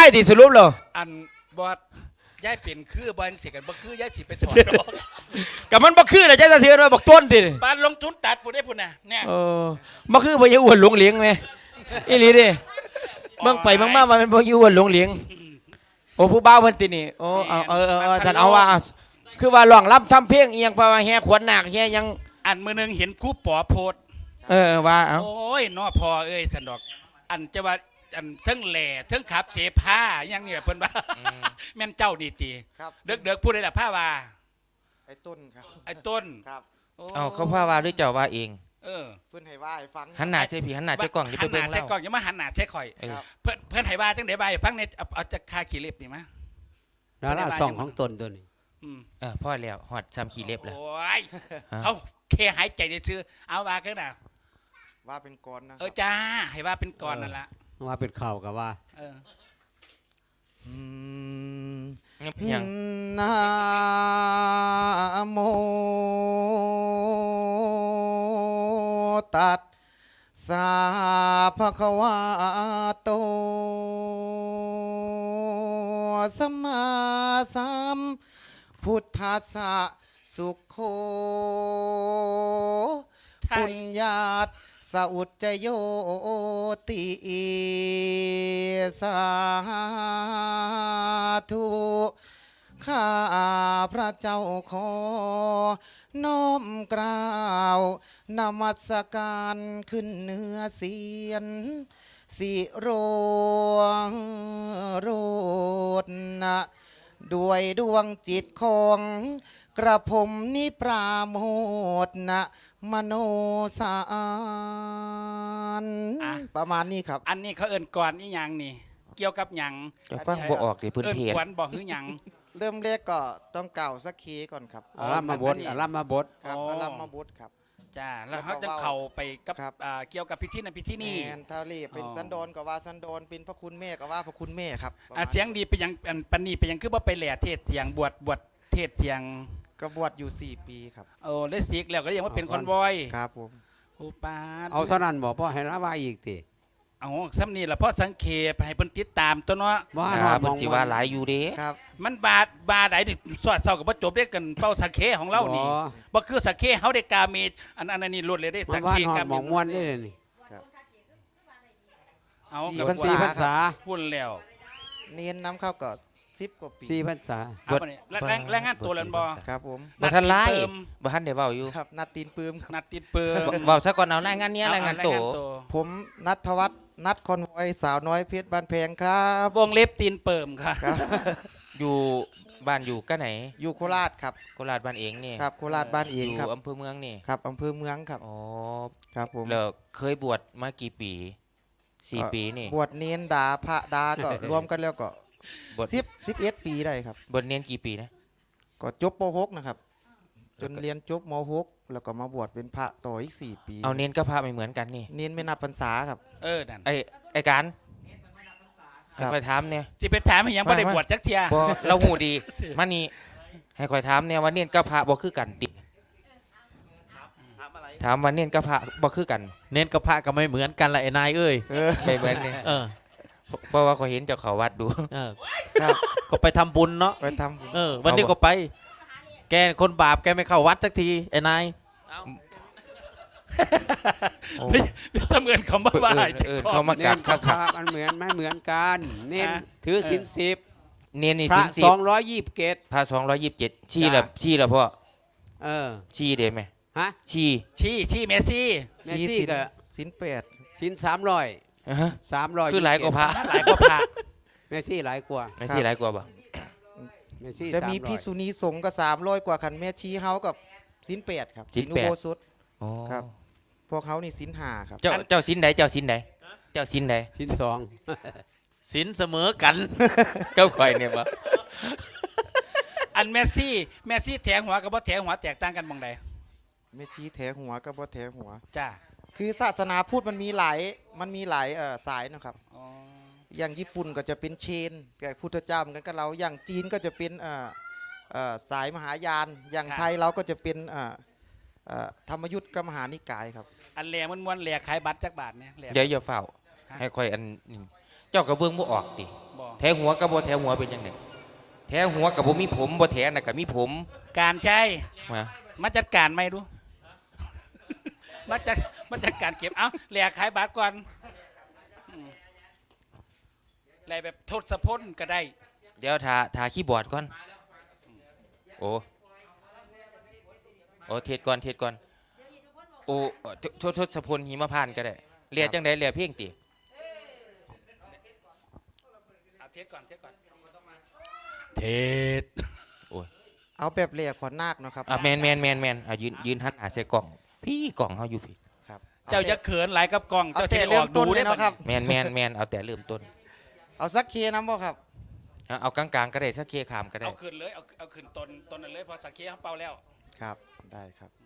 ที่สรุปเหรออันบอดย้ายเป็นคือบอลเสียกันบ่คือย้ายสิไปถอดดอกกับมันบ่คือเลยใจจะเสียมาบอกต้นดิบ้านลงทุนตัดผู้ได้ผู้น่ะเนี่ยบ่คือบ่อยู่อ้วนหลงเหลียงไหมอีหลีดิเบิ่งไปเบิ่งมามันเป็นบ่อยู่อ้วนหลงเหลียงโอ้ผู้บ่าวเพิ่นตินี่โอ้เอาท่านเอาว่าคือว่าร้องรำทำเพลงอีหยังเพราะว่าแห่ขวัญนาคแห่ยังอันมือนึงเห็นครูปอโพดว่าเอาโอ้ยน้อพอเอ้ยสันดอกอันจะว่าอันทั้งแหล่ทั้งขับเสผ้ายังเนี่ยเพิ่นว่าแม่นเจ้าดีตีเด็กๆพูดได้ละผ้าว่าไอ้ต้นครับไอ้ต้นครับเอาเขาพาว่าหรือเจ้าว่าเองเพื่อนให้ว่าให้ฟังหันหน้าใช่พี่หันหน้าใช่กล้องอย่าไปเบิ่งเล่าหันหน้าใช่กล้องอย่ามาหันหน้าใช่ข่อยเพื่อนให้ว่าจังได๋บ่ายฟังในเอาจะคาขี้เล็บนี่มั้ยดาราส่องของตนตัวนี้พ่อแล้วฮอดซ้ำขี้เล็บแล้วโอ้ยเขาแค่หายใจซื่อเอาว่ากันน่ะว่าเป็นกรนะจ้าให้ว่าเป็นกรนั่นล่ะว่าเป็นข่าวกับว่านะโมตัสสะภะคะวะโตสัมมาสัมพุทธัสสะสุขโขปุญญาตสอุจจโยติสาธุข้าพระเจ้าขอน้อมกล่าวนมัสการขึ้นเหนือเสียนสิโรโรดนะด้วยดวงจิตของกระผมนิปราโมทนะมโนสารประมาณนี้ครับอันนี้เขาเอิ้นก่อนนี่ยังนี่เกี่ยวกับหยังจะฟังบ่ออกดิพื้นที่เอิ้นกวนบ่ฮือหยังเริ่มแรกก็ต้องกล่าวสักคีก่อนครับอารัมมาบดอารัมมาบดครับอารัมมาบดครับจ้าแล้วเขาจะเข้าไปกับเกี่ยวกับพิธีนั้นพิธีนี้แอนทารีเป็นสันโดษก็ว่าสันโดษเป็นพระคุณแม่ก็ว่าพระคุณแม่ครับเสียงดีไปยังปันนี้ไปยังคือบ่ไปแหล่เทศเสียงบวชเทศเสียงก็บวชอยู่4 ปีครับได้ศิกแล้วก็ยังว่าเป็นคอนวอยครับผมโอ้ป้าเอาเท่านั้นบอกพ่อให้ละว่าอีกทีเอาซ้ำนี่ละเพราะสังเขปให้เพิ่นติดตามตัวเนาะว่าเพิ่นสิว่าหลายอยู่เด้ครับมันบาไหนนี่สอดเศร้ากับบ่จบได้กันเป้าสังเขของเรานี่บ่คือสังเขเฮาได้กาเมอันนี้ล้วนเลยได้สังเขกาเมหมองม่วนได้เลยนี่เอากับ4 พรรษาพูดแล้วเนียนน้ำเข้าก็10 กว่าปี 4 พรรษาแรงงานตัวแล้วบ่ครับผมบ่ทันไล่บ่ทันได้เว้าอยู่ครับนัดตีนปืมนัดตีนปืมเว้าซะก่อนเอารายงานนี้รายงานโตผมนัทวัฒน์นัดคอนวอยสาวน้อยเพชรบ้านแพงครับวงเล็บตีนเปิมค่ะอยู่บ้านอยู่ก็ไหนอยู่โคราชครับโคราชบ้านเองนี่ครับโคราชบ้านเองครับอยู่อำเภอเมืองนี่ครับอำเภอเมืองครับอ๋อครับผมแล้วเคยบวชมากี่ปี4 ปีนี่บวชเน้นดาพระดาก็รวมกันแล้วก็11 ปีได้ครับบวชเน้นกี่ปีนะก็จบป .6 นะครับจนเรียนจบม .6 แล้วก็มาบวชเป็นพระต่ออีก4 ปีเอาเน้นกับพระไม่เหมือนกันนี่เน้นไม่นับพรรษาครับนั่นไอ้การให้คอยถามเนี่ยสิไปถามให้ยังบ่ได้บวชจักเที่ยบ่เราหูดีมานี่ให้คอยถามเนี่ยว่าเน้นกับพระบ่คือกันติถามว่าเน้นกับพระบ่คือกันเน้นกับพระก็ไม่เหมือนกันละไอ้นายเอ้ยไม่เหมือนนี่เพราะว่าเขาเห็นเจ้าเขาวัดดูครับก็ไปทำบุญเนาะไปทำบุญวันนี้ก็ไปแกคนบาปแกไม่เข้าวัดสักทีไอ้นายเสมือนเขามาว่าเขามากัดครับมันเหมือนไม่เหมือนกันเน้นถือศีล10 เน้นนี่ศีล 10พระ227ชี้ละพ่อชี้เด้ไหมฮะชี้เมซี่ก็ศีล8 ศีล300 คือหลายกว่าพระเมซี่หลายกว่าบ่เมซี่จะมีพิษุณีสงฆ์ก็300 กว่าคันแม่ชี้เฮากับศีล8ครับศีลอุโบสถครับพวกเขานี่ศีล5ครับเจ้าศีลใดเจ้าศีลใดศีล2 ศีลเสมอกันเจ้าข่อยเนี่ยบ่อันเมซี่แถงหัวกับบ่แถงหัวแตกต่างกันบ่งใดแม่ชี้แถหัวกับบ่แถหัวจ้าคือศาสนาพุทธมันมีหลายสายนะครับอย่างญี่ปุ่นก็จะเป็นเชนกับพุทธเจ้าเหมือนกันกับเราอย่างจีนก็จะเป็นสายมหายานอย่างไทยเราก็จะเป็นธรรมยุทธกับมหานิกายครับอันแหล่ม้วนแหล่ขายบัตรจักบาทเนี่ยเดี๋ยวอย่าเฝ้าให้ค่อยอันเจ้าก็เบิ่งบ่ออกติบ่แถหัวกับบ่แถหัวเป็นยังไงแถหัวกับบ่มีผมบ่แถน่ะก็มีผมการใช้มามาจัดการไหมดู มาจัดการเก็บเอ้าแหลกขายบาทก่อนอืมแหลกแบบทศพลก็ได้เดี๋ยวทาคีย์บอร์ดก่อนโอ้โอ้เทศก่อนโอ้ทศพลหิมพานต์ก็ได้เรียกจังได๋เรียกเพลงติเอาเทสก่อนเทสเอาแบบเรียกขวัญนาคเนาะครับอ่ะแมนอ่ะยืนหันหาใส่กล่องพี่กล่องเฮาอยู่พี่ครับเจ้าจะเขินหลายกับกล้องเอาเจ้าจะแต่ได้อเริ่อมกต้ดูนเลได้ยบัดเนาะครับแมนเอาแต่เริ่มต้นเอาสักเคน้ำบ่ครับเอากลางๆก็ได้สักเคขามก็ได้เอาขึ้นเลยเอาขึ้นตนนั้นเลยพอสักเคเขาเป่าแล้วครับได้ครับ